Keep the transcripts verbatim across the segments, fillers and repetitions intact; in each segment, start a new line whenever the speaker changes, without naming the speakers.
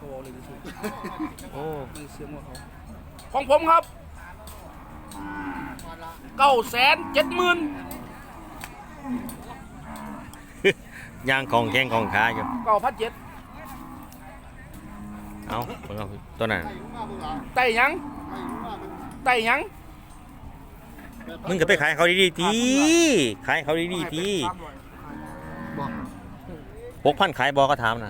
เขาเลยดิสิ
โอ้
ไม่เสียงว่าเขาของผมครับเก้าแสนเจ็ดหมื่น
ยางของแข้งของขาอยู่
เก้าพันเจ็ด
เอาเบิ่งเอาตัวนั้น
ไต่ยังไต่ยัง
มึงก็ไปขายเขาดีๆทีขายเขาดีๆทีหกพันขายบอก็ถามนะ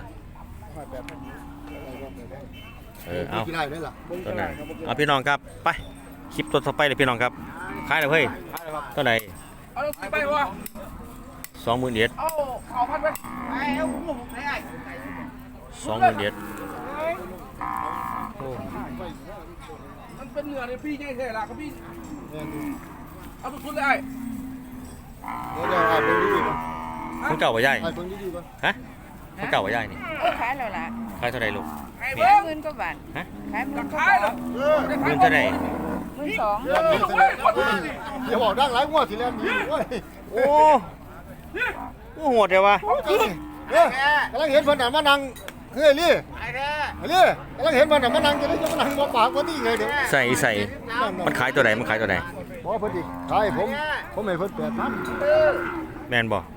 เออเอาตัวไหนเอาพี่น้องครับไปคลิปตัวต่อไปเลยพี่น้องครับขายเลยเฮ้ยตัวไหน
เอาไปวะ
สองหมื่นเอ็ด
เอาเอาพันไปเอา
สองหมื่นเอ็ดโอ้
มันเป็นเหนือเลยพี่ใหญ่แท้ละครับพี่เอาทุกคนเลยไอ้
มันเก่าว่าใหญ่ฮะมันเก่าว่าใหญ่นี่
ขายแล้วล่ะ
ขายเท่าไหร่ลูก
ไอ้
ขา
เบิ้
ย
ง
หมื่นกว่าบาท
ฮะ
ขายหมื่นกว่า
ขาย
บา
แล้
ท
ว
หมื่นเท่าไหร่
หมื่นสอง
อย่าบอกดังหลายงวดสิแล้วมีโอ้ย
โอ้โหโหดเลยวะ
เฮ้ยกำลังเห็นเพิ่นน่ะมานั่งเฮ้ยลี่ไอ้ลี่กำลังเห็นเพิ่นน่ะมานั่งจะได้จะมานั่งบ่ปากบ่นี่ไงเดี๋ยว
ใส่ใส่มันขายตัวไหนมันขายตัวไหน
บ่เพิ่นอีกขายผมผมให้เพิ่นแปดพัน
แมนบอก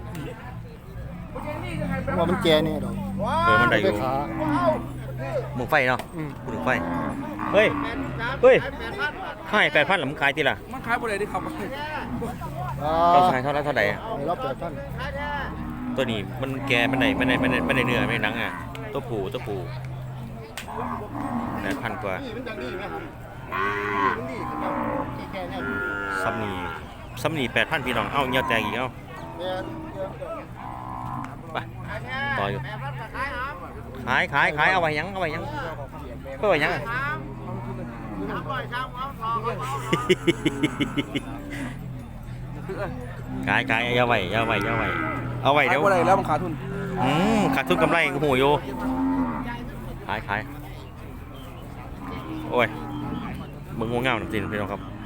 ว่ามันแก่นี่ดอก
เออมันได้อยู่
ขา
มึงไฟเนาะพูดถึงไฟเฮ้ยเฮ้ยให้แปดพันหรือมึงขายทีละ
มันขายบ่ได้ดิครับ
อ่า
เราขายเท่าไหร่เท่าไหร่อะ
ให้รับแปดพัน
ตัวนี้มันแกมันไหนมันไหนมันไหนมันไหนเนื้อไม่หนังอ่ะตัวผูตัวผูแปดพันกว่า
นี่มันจังนี่ไหมครับนี่มันนี่ที่แก่เนี่ย
ซัมนีซัมนีแปดพันพี่น้องเอ้าเงี้ยวแตกอีกเอ้า
แม่น
ไปต่ออยู่ขายขายขายเอาไว้ยังเอาไว้ยังเอาไว้ยังอะขายขายเอาไว้เอาไว้เอาไว้เอาไว้
ขาย
เดี๋ยว
บ่ได้แล้วมันขาดทุน
อืมขาดทุนกำไรกูหูอยู่ขายขายโอ้ยมึงง่วงเงาหนักจริงพี่น้องครับ